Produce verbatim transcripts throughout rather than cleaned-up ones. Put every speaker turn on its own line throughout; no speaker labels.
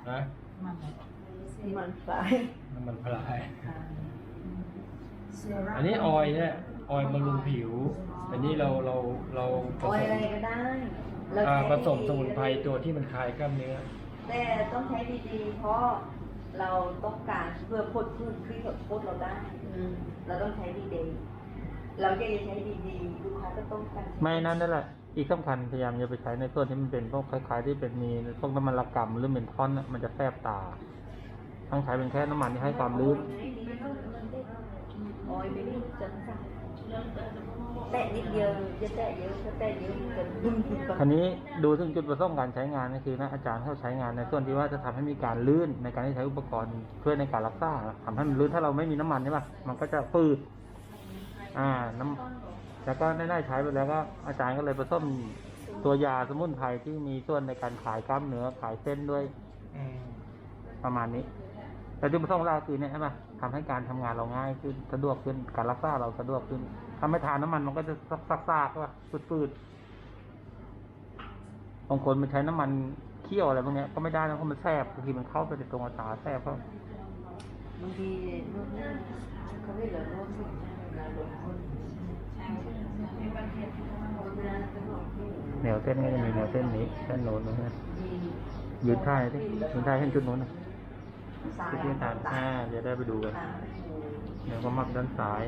นะ
มันพลาย
น้ำมันพลายอันนี้ออยล์เนี่ยออยล์บำรุงผิวอันนี้เราเราเราผ
ออย
สม
อะไรก็ได้
อ่าผสมสมุนไพรตัวที่มันคลายกล้ามเนื้อ
แต่ต้องใช้ดีๆเพราะเราต้องการเพื่อพดพืชที่พดเราได้เราต้องใช้ดีๆเราจะใช้ดีๆลูกค้าก็ต้องการ
ไม่นั่นนั่นแหละอีกสำคัญพยายามอย่าไปใช้ในส่วนที่มันเป็นพวกคล้ายๆที่เป็นมีพวกน้ำมันละกำหรือเมนทอนมันจะแสบตาต้องใช้เป็นแค่น้ำมันที่ให้ความลื่น
ออยไม่ได้จังสั่งแตะนิดเดียวจะแตะเยอะถ้าแตะเยอะมันจะบึ้มขึ้นไป
อันนี้ดูถึงจุดประสงค์การใช้งานก็คือนะอาจารย์เขาใช้งานในส่วนที่ว่าจะทำให้มีการลื่นในการที่ใช้อุปกรณ์ช่วยในการรักษาทำให้มันลื่นถ้าเราไม่มีน้ำมันใช่ป่ะมันก็จะฟืดอ่าน้ำแล้วก็ได้ใช้ไปแล้วก็อาจารย์ก็เลยผสมตัวยาสมุนไพรที่มีส่วนในการขายกล้ามเนื้อขายเส้นด้วยประมาณนี้แต่จุดประสงค์เราคือเนี่ยใช่ป่ะทำให้การทำงานเราง่ายขึ้นสะดวกขึ้นการรักษาเราสะดวกขึ้นถ้าไม่ทานน้ำมันมันก็จะซักๆว่าฟืดๆบางคนมันใช้น้ำมันเคี่ยวอะไรพวกนี้ก็ไม่ได้นะเพราะมันแสบบางทีมันเข้าไปในตรงตาแสบเพราะ
บางทีนวดหน้าเขาไม่เหลือนวดสุดงานลงคน
แนวเส้นก็จะมีแนวเส้นนี้เส้นโน้นนะยืนท่าที่ยืนท่าเส้นจุดโน้นนะที่ที่ตาอ่าจะได้ไปดูกันเดี๋ยวก็มักด้านซ้าย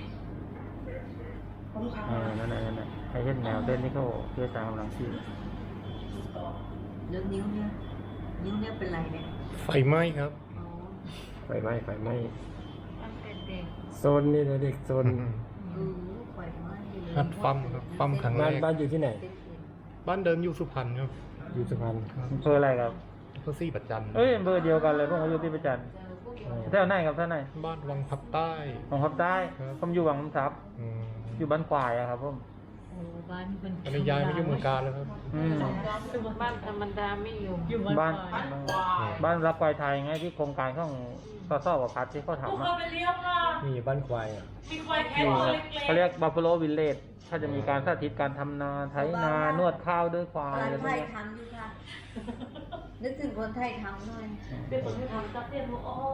อ่านั่นแหละนั่นแหละให้เห็นแนวเส้นนี่เขาเพื่อตามกำลังที่
เรื่องนิ้วเนี่ยนิ้วเนี่ยเป็นไรเนี่ย
ไฟไหม้ครับ
ไฟไหม้ไฟไหม้
มันเป็นเด็ก
โซนนี่นะเด็กโซน
อือไฟไหม้
ฮัดปั๊มครับปั๊มครั้งแร
บ้าน
ก
บ้านอยู่ที่ไหน
บ้านเดิมอยู่สุพรรณครับ
อยู่สุพรรณ
อำเภออะไรครับ
อำเภอซี่ปัจจัน
เอ้ยอำเภอเดียวกันเลยพวกเขาอยู่ที่ประจันแถวไหนครับแถวไหน
บ้านวังพับใต้
ของพับใต้ผมอยู่วังน้ำซับอยู่บ้านควายอะครับผม
โอ้บ้านเป็น
ตอนนี้ย้ายไม่อยู่เมืองการแล้วครับ
บ้านธรรมดาไม่อยู่อยู่
บ้านบ้านรับควายไทยไงที่โครงการของสสวพัฒน์ที่เขาทำอะ
มีบ้านควายอ่ะ
มีควายแค่
เขาเรียกบัฟฟาโลวิลเลจถ้าจะมีการสาธิตการทำนาไถนานวดข้าวด้วยควายอะไรพวกนี้
ทำอยู่ค่ะนึกถึงคนไทยทำหน่อย
เดี๋ยวผมจะทำจับเตี้ยนหัวอ้อ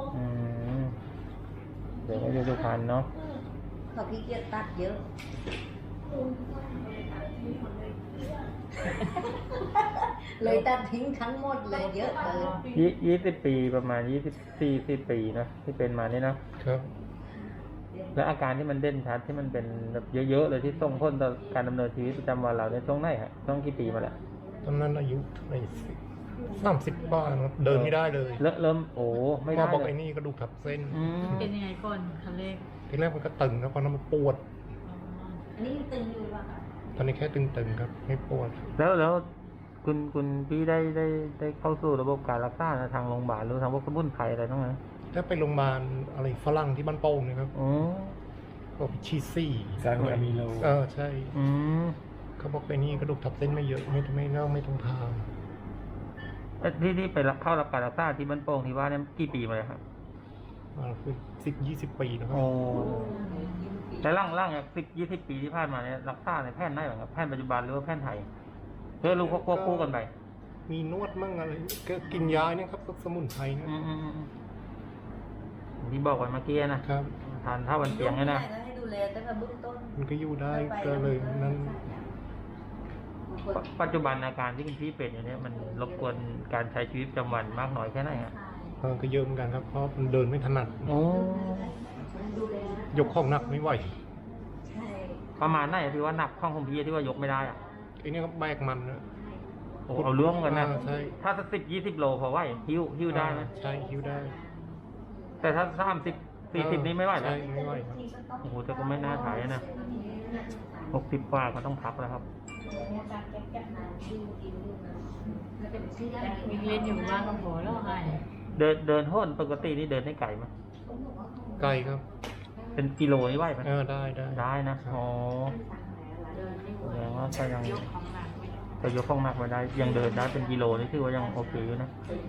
เดี๋ยวก็จะดูพันเนาะ
เขาขี้เกียจตัดเยอะเลยตัดทิ้งทั้งหมดเลยเยอะเลย
ยี่ยี่สิบปีประมาณยี่สิบสี่สิบปีนะที่เป็นมานี่นะครับแล้วอาการที่มันเด่นชัดที่มันเป็นแบบเยอะๆเลยที่ส่งผลต่อการดำเนินชีวิตประจำวันเราในช่วงไหนฮะช่วงกี่ปีมาแล้ว
ตอนนั้นอายุในสามสิบป้าเดินไม่ได้เลย
เริ่มเริ่มโอ้ไม่ได้
เลยบอกไอ้นี่กระดูกทับเส้น
เป็นยังไงก่อนคันแรก
ทีแรกมันก็ตึงแล้วพอนั้นมันปวด
อันนี้ตึงอยู่ป่ะคะ
ตอนนี้แค่ตึงๆครับไม่ปวด
แล้วแล้วคุณคุณพี่ได้ได้ได้เข้าสู่ระบบการรักษาทางโรงพยาบาลหรือทางพวกสมุนไพรอะไรต้องไหม
ถ้าไปโรงพยาบาลอะไรฝรั่งที่บ้านโป่งนะครับ
อ๋อ
บอกชีซี่
ซาร์มิโล
เออใช่
อืม
เขาบอกไปนี่กระดูกทับเส้นไม่เยอะไม่ไม่เน่าไม่ต้องพา
ที่ที่ไปเข้ารับการรักษาที่บ้านโป่งที่ว่าเนี่ยกี่ปีมาเลยครับ
อ่าคือสิบยี่สิบปีนะครับ
โอ้แต่ร่างร่างสิบยี่สิบปีที่ผ่านมาเนี่ยรักษาในแพทย์ได้หรือแพทย์ปัจจุบันหรือว่าแพทย์ไทยเพื่อรู้ควบคู่กันไป
มีนวดมั่งอะไรก็กินยาเนี่ยครับสมุนไพรนะ
ที่บอกไว้เมื่อกี้นะครับทานเท่าวันเตียงเนี่ยนะ
ให้ดูแลตั้งแต่เบื้องต้น
มันก็อยู่ได้ก็เลยนั้น
ปัจจุบันอาการที่คุณพี่เป็นอย่างนี้มันรบกวนการใช้ชีวิตประจำวันมากน้อยแค่ไหนฮะ
ก็เยอะเหมือนกันครับเพราะมันเดินไม่ถนัด
โอ้
ยกของหนักไม่ไหว
ประมาณไหนที่ว่าหนักข้องของพี่ที่ว่ายกไม่ได้อ่ะ
ไอ้นี่ก็แบกมันนะ
โอ้เอาเรื่องกันนะ
ใช่
ถ้าสักสิบยี่สิบโลพอไหวหิ้วหิ้วได้ไหม
ใช่หิ้วได้
แต่ถ้าสามสิบสี่สิบนี้ไม่ไหวนะ
ไม่ไหวครับ
โอ้โหแต่ก็ไม่น่าถ่ายนะหกสิบกว่าก็ต้องพักแล้วครับ
มีเรียนอยู่บ้านกับหัวแล้วไง
เดินเดินห้นปกตินี่เดินได้ไกลไหม
ไกลครับ
เป็นกิโลนี่ไหวไหม
เออได้ได้
ได้นะอ๋อแสดงว่าก็ยังแต่ยกของหนักมาได้ยังเดินได้เป็นกิโลนี่ถือว่ายังโอเคอยู่นะ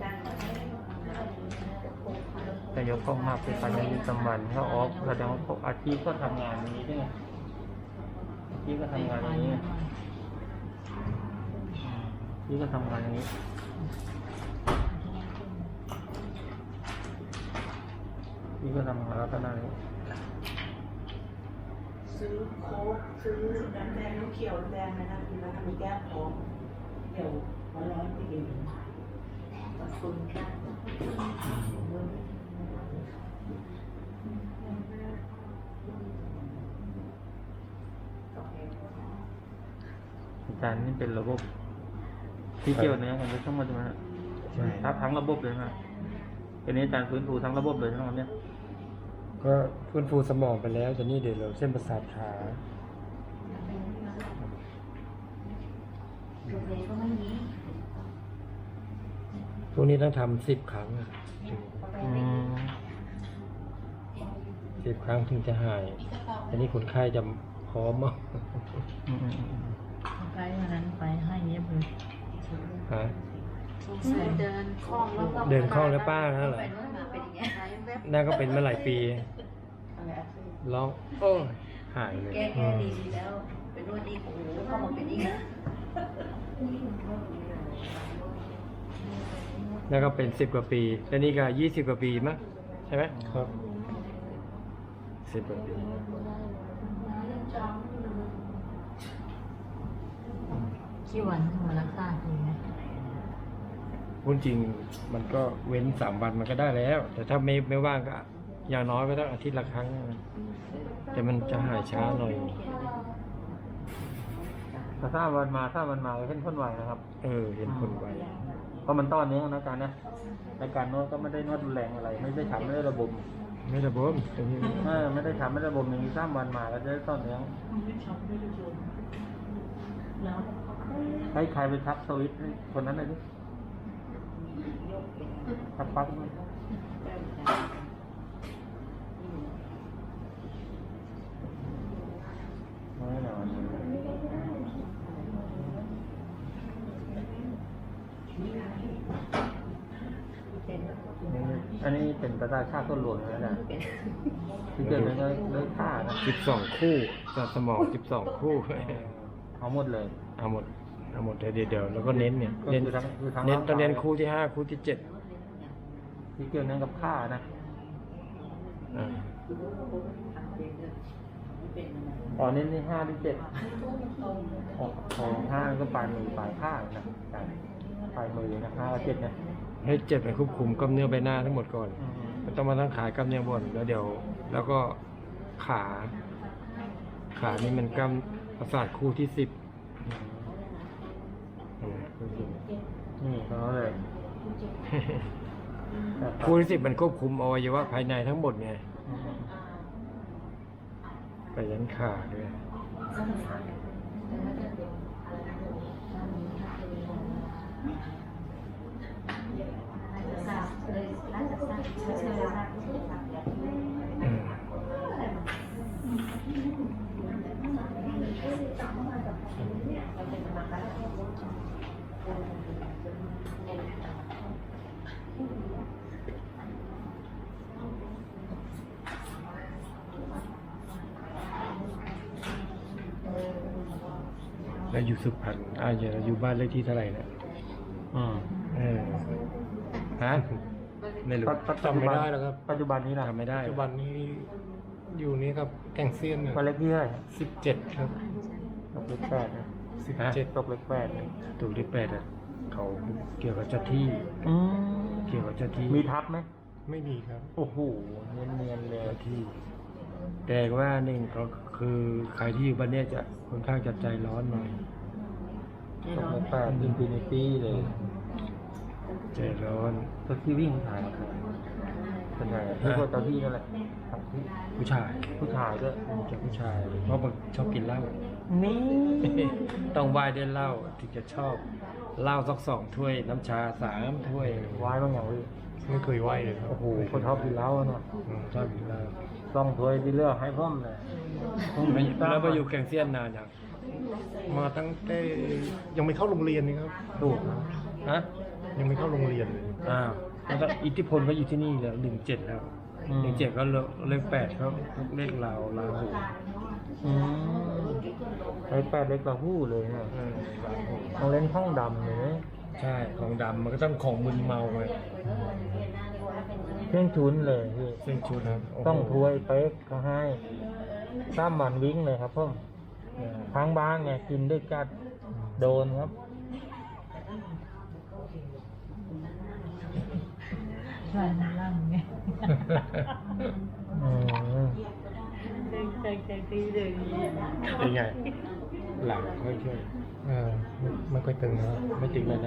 แต่ยกของหนักเป็นการยังมีสมันเขาออกแสดงว่าอาชีพก็ทำงานอย่างนี้ด้วยอาชีพก็ทำงานอย่างนี้อาชีพก็ทำงานอย่างนี้ก็ทำลักษณะนี้
ซื้อโค้กซื้อน้ำแดงน้ำเขียวน้ำแดงนะนะคือน้ำมีแก้วพร้อมเดี๋ยววันร้อนไปกิน
ขอบคุณค่ะ
อาจารย์นี่เป็นระบบ ที่เกี่ยวเนื้อกันทั้งหมดใช่ไหมฮะ
ใช่
ทั้งทั้งระบบเลยนะเป็นอาจารย์ฟื้นฟูทั้งระบบเลยทั้งหมดเนี่ย
ก็ฟื้นฟูสมองไปแล้วแต่นี่เดี๋ยวเราเส้นประสาทขา
โรงเรียนก็ไม่มี
พวกนี้ต้องทำสิบครั้งถึง
อืม
สิบครั้งถึงจะหายอันนี้คนไข้จะพร้อมมาก
อืมอืมอืม
ไปวันนั้นไปให้เงียบเลย
ฮะ
เดินคล่องแล้วก็
เดินคล่องแล้วป้านั่นเหรอ
เป็นว่ามาเป็นอย่างเงี้ย
น่าก็เป็นมาหลายปีร้องโอ้ยหายเลย
แก้แก้ดีดีแล้ว เป็นนวดดีโอ้โหเข้ามาเป็นอีกนะ
แล้วก็เป็นสิบกว่าปีแล้วนี่ก็ยี่สิบกว่าปีมั้งใช่ไหมครับสิบกว่าปี
กี่วันมารักษาทีนะ
พูดจริงมันก็เว้นสามวันมันก็ได้แล้ว แต่ถ้าไม่ไม่ว่างก็อย่างน้อยก็ต้องอาทิตย์ละครั้งนะแต่มันจะหายช้าหน่อย
แต่ถ้าวันมาถ้าวันมาก็ขึ้นพ้นไหวนะครับ
เออเห็นผลไว
เพราะมันต้อนเนื้อนะอาจารย์นะในการนวดก็ไม่ได้นวดรุนแรงอะไร ไม่ได้ทำไม่ได้ระบม
ไม่ระบบตรงนี้
เออไม่ได้ทำไม่ได้ระบมอย่างนี้สามวันมาก็จะได้ต้อนเนื้อให้ใครไปทักสวิตช์ให้คนนั้นเลยดิทักปั๊บไม่หรอกอันนี้เป็นประสาทชาติต้นหลวงนะอาจารย์ที่เกิดในเนื้อฆ่านะ
สิบสองคู่จากสมองสิบสองคู่
เอาหมดเลย
เอาหมดเอาหมดเดี๋ยวเดี๋ยวแล้วก็เน้นเนี่ย
ก็
เน้น
คือทั้งคือทั้ง
เน้น
ร่างกาย
ต้องเน้นคู่ที่ห้าคู่ที่เจ็ด
ที่เกี่ยวเนื่องกับฆ่านะ
อ่า
อ๋อเน้นที่ห้าที่เจ็ดของของห้าก็ปลายมือปลายข้างนะปลายมือนะห้ากับเจ็ดนะ
ให้เจ็ดไปควบคุมกล้ามเนื้อใบหน้าทั้งหมดก่อน
อืม
มันต้องมาทั้งขากล้ามเนื้อบนแล้วเดี๋ยว แล้วก็ขา ขานี่มันกล้ามประสาทคู่ที่สิบ
นี่เขาเลย
คู่ที่สิบมันควบคุมอวัยวะภายในทั้งหมดไงไปยันขาด้วยอืม แล้วอยู่สุพรรณอ่าอย่าอยู่บ้านเลขที่เท่าไหร่นะ
อืม
เออฮะไม่รู้
ปัจจุบัน
จำไม่ได้แล้วครับ
ปัจจุบันนี้นะ
จำไม่ได้
ปัจจุบันนี้อยู่นี่ครับแก่งเซียน
วันเล็กที่เท่าไหร่
สิบเจ็ดครับ
ตกเล็กแปดนะ
สิบเจ็ด
ตกเล็กแปดนะ
ถูกที่แปดอ่ะเขาเกี่ยวกับเจ้าที่
อืม
เกี่ยวกับเจ้าที่
มีทับไหม
ไม่มีครับ
โอ้โหเนียนเนียนๆเลย
เจ้าที่ แต่ว่าหนึ่งก็คือใครที่อยู่บ้านเนี้ยจะค่อนข้างจะใจร้อนหน่อย
ตกเล็กแปดอินฟินิตี้เลย
ใจร้อน
ตัวที่วิ่งถ่ายครับเป็นไงที่พวกเจ้าที่นั่นแหละครับที่
ผู้ชาย
ผู้ชายด้วย
จะผู้ชาย เพราะมันชอบกินเหล้า
นี่
ต้องไหว้ด้วยเหล้าถึงจะชอบเหล้าสักสองถ้วย น้ำชาสามถ้วย
วายบางอย่างพี่
ไม่เคยไหวเลยครับ
โอ้โหคนชอบกินเหล้าเนาะ
อืมชอบกินเหล้า
ต้องถ้วยที่เลือกให้พ่อมเลย
แล้วมาอยู่แกงเซียนนานยัง
มาตั้งแต่ยังไม่เข้าโรงเรียนนี่ครับ
ถูกฮะ
ยังไม่เข้าโรงเรียนเลย
อ้าวแล้วก็อิทธิพลก็อยู่ที่นี่แล้วหนึ่งเจ็ดแล้ว
อืม
หนึ่งเจ็ดก็เลขเลขแปดเขาเลขลาวลาวหู
อืมไอ้แปดเล็กกว่าหู้เลยนะ
เออลาวหู
ต้องเล่นห้องดำเลยนะ
อใช่ของดำมันก็ต้องของมึนเมาไง
เครื่องชุนเลยพี่
เส้นชุดนะโโห
ต้องถ้วยเป๊กเขาให้สามวันวิ่งเลยครับพ่อ
เออ
ทางบ้านไงกินด้วยกันโดนครับ
ลายมันล่ำไง
อืม
เด็กเด็กเด็กดีเด็กดี
เป็นไง หลังค่อยช่วย
เออไม่ไม่ค่อยตึงแล้ว
ไม่ติดเลยนะ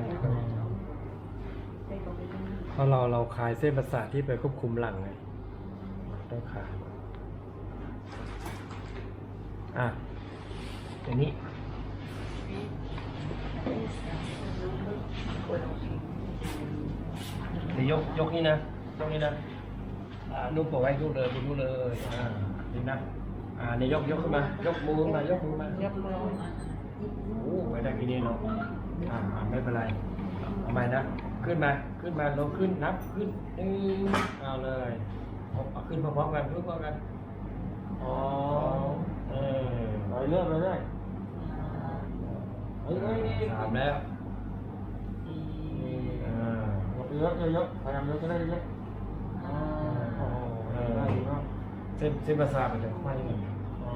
เพราะเราเราคลายเส้นประสาทที่ไปควบคุมหลังไงต้องคลายอ่ะอย่างนี้เดี๋ยวยกยกนี่นะยกนี่นะอ่านุ่มปล่อยไว้นุ่มเลยนุ่มเลยอ่าดีนะอ่าเนี่ยยกยกขึ้นมายกมือขึ้นมายกมือมายกมือโอ้ไม่ได้กี่นี่เนาะอ่าอ่าไม่เป็นไรเอาใหม่นะขึ้นมาขึ้นมาลงขึ้นนับขึ้นหนึ่งเอาเลยเอาเอาขึ้นพร้อมๆกันขึ้นพร้อมกันอ๋อเออ
ไปเรื่อยไปเรื่อยเฮ้ยเฮ้ยนี่
สามแล้วอ่า
เยอะเยอะเยอะพยายามเยอะก็ได้เยอะอ๋อ
โอ้โหเออ
ได้ดีมาก
เส้นเส้นประสาทมันจะไขว้กัน
อ๋อ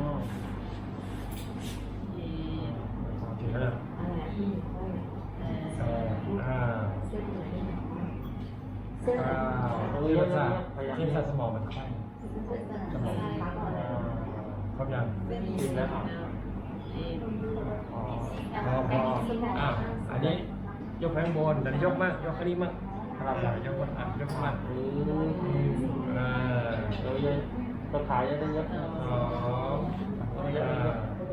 ถึงแล้วสองห้า
เส้น
เก้าเส้นประสาทเส้นประสาทสมองมันไขว้สมองครบยังถึงแล้วพอพออ้าวอันนี้ยกแผงบนแต่นี้ยกมากยกแค่นี้มากครับยกมากอ่ะยกมากอืมอ่า
เยอะเยอะก็ขายเยอะได้เยอะ
สองห้า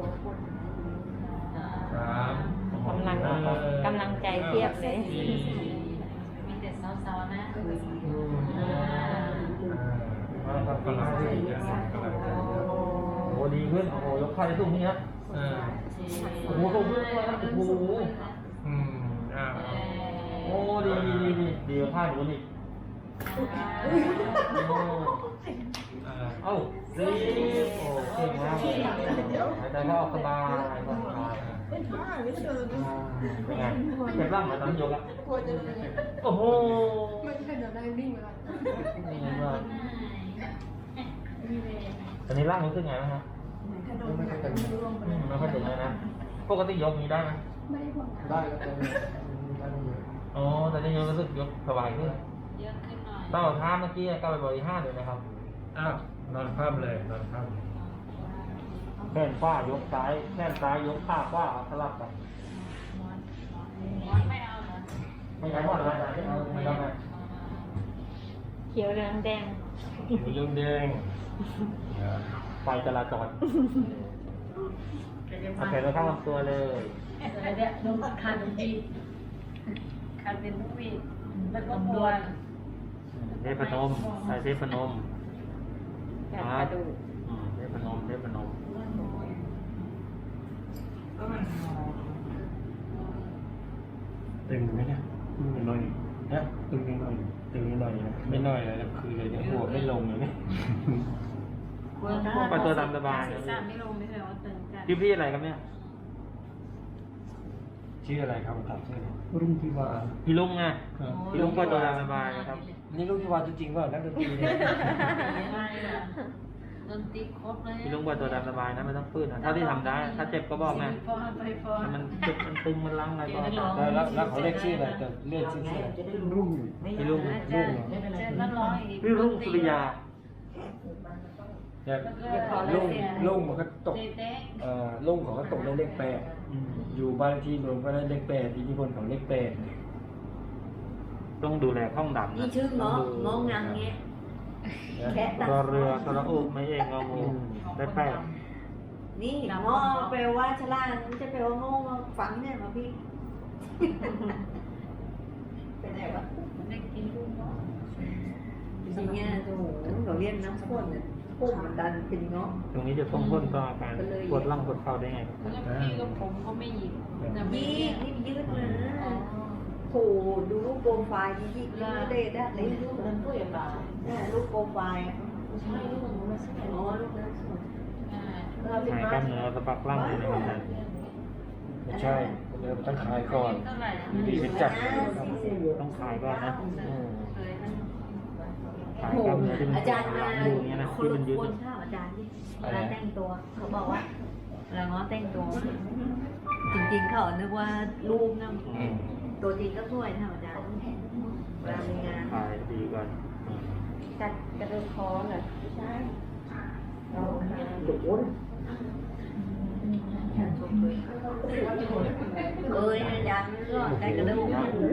สาม
กำลังกำลังใจเทียบเลย
สี่
มีแต่สาวๆนะ
อืมอ่าอ่ากำลังใจเยอะกำลังใจเยอะ
โอ้โหดีขึ้นโอ้โหยกขายได้สูงนี่ครับ
อ่า
โอ้โหสูงขึ้นเลยครับโอ้โห
อืมอ่า
โอ้ดีดีดีดีดีกว่าผ้าหนูนี่โอ้
อ่า
เอ้าดีโอ้เก่งมากเลยหายใจเข้าออกสบายสบายเป็นไงเจ็บร่างเหมือนตอนยกอะโอ้โหไม่ใช่เดินได้วิ่งเลยตอนนี้ร่างรู้สึกไงบ้างฮะไม่ค่อยตึงไม่ค่อยตึงเลยนะปกติยกนี้ได้ไหม
ได้แล้วแต่ไม่ได้ไม่เยอะ
อ๋อแต่นี่ยังรู้สึกยกสบายขึ้น
เยอะขึ้นหน่อย
ตั้งแต่ท่าเมื่อกี้ก้าวไปบริห้าเลยนะครับ
อ้าวนอนคว่ำเลยนอนคว่ำ
แขนขวายกซ้ายแขนซ้ายยกขาขวาสลับกัน
ไม่เอาเหรอ
ไม่ใช่หมดเลยไม่ต้องไง
เขียวเหลืองแดง
ผิวเรื่องแดง
ไฟจราจรเอาแขนไว้ข้างลำตัวเลย
อะไรเนี่ยนมคันดีคันเป็นลูกวีแล้วก็ปวด
เทพนมใส่เทพนม
กระดูก
อืมเทพนมเทพนม
ตึงไหมเนี่ยตึงหน่อยนะตึงหน่อยตึงหน่อยนะไม่หน่อยเลยนะคือเลยเนี่ยหัวไม่ลงเลยเนี่ย
ไปตัวตามสบาย
ศีรษะไม่ลงไม่ใช่ว่าตึงจัด
พี่พี่อะไรครับเนี่ย
ชื่ออะไรครับถามชื่อรุ่งทิวา
พี่ลุงไง
ครับ
พี่ลุงก็ตัวตามสบายนะครับ
นี่รุ่งทิวาจริงๆเปล่านักดนตรีเนี่ย
ไม่อะดนตรีครบเลย
พี่ลุงก็ตัวตามสบายนะไม่ต้องฟื้นนะถ้าที่ทำได้ ถ้าเจ็บก็บอกไง
ฟอนไปฟอน
ถ้ามันเจ็บมันตึงมันล้างอะไรก็
แล้วแล้วแล้วเขาเรียกชื่ออะไรแต่เรียกชื่ออะไรรุ่ง
พี่ลุง
เจอเจอก็ร้องอีก
พี่ลุงสุริยา
เนี่ยรุ่งรุ่งมันก็ตก
เต๊ะ
เอ่อรุ่งเขาก็ตกในเลขแปด
อืม
อยู่บ้านเลขที่รวมก็ได้เลขแปดอิทธิพลของเลขแปด
ต้องดูแลห้องดำ
นี่
นะ
ชื่อง้อง้องางเงี้ยแค่ตัด
รอเรือสระอุไม่เองงองูได้แปด
นี่ง้อแปลว่าฉลาดมันจะแปลว่าโง่มาฟังเนี่ยมาพี่ เป็นไงวะ
ได้กินลูกเนาะ
จริงๆเนี่ยโอ้โหเราเรียนน้ำข้นเนี่ยพุ่มมันดันเป็นง้อ
ตรงนี้จะต้องพ้นต่ออาการปวดร่างปวดเข่าได้ไงครับ
แล้วพี่กับผมก็ไม่หยิบแต่ไม่
ยี่
เรียก
นี่ยืดนะโหดูรูปโปรไฟล์ที่ยี่ยืดได้ได้เลยรูปนั้นด้วยป่ะเนี่ยรูปโปรไฟล์อ่ะ
ใช่ลูกผมไม่ใช่
อ๋อรูปนั้นสวย
หายกล้ามเนื้อสะบักร่างเลยนะครับ
ไม่ใช่เดี๋ยวต้องขายก่อน
เท่าไหร่
ดีเป็นจัด
ต้องขายก่อนนะ
อืม
เลยนะ
ขายกล้ามเนื้อที่มัน
อาจารย์มา
อยู่อย่างเงี้ยนะ
ค
ที่
น
มันยึด
คนข้าวอาจารย์ที่เวลาแต่งตัว เขาบอกว่าเวลาง้อแต่งตัว จริงๆเขานึกว่ารูปนะ
อืม
ตัวจริงก็สวยนะอาจารย์เวลามีงาน
ขายดีก่อนอืม
จัดกระดูกคอเหรอใช่เราเอ้ยอาจารย์ก็ได้กระดูก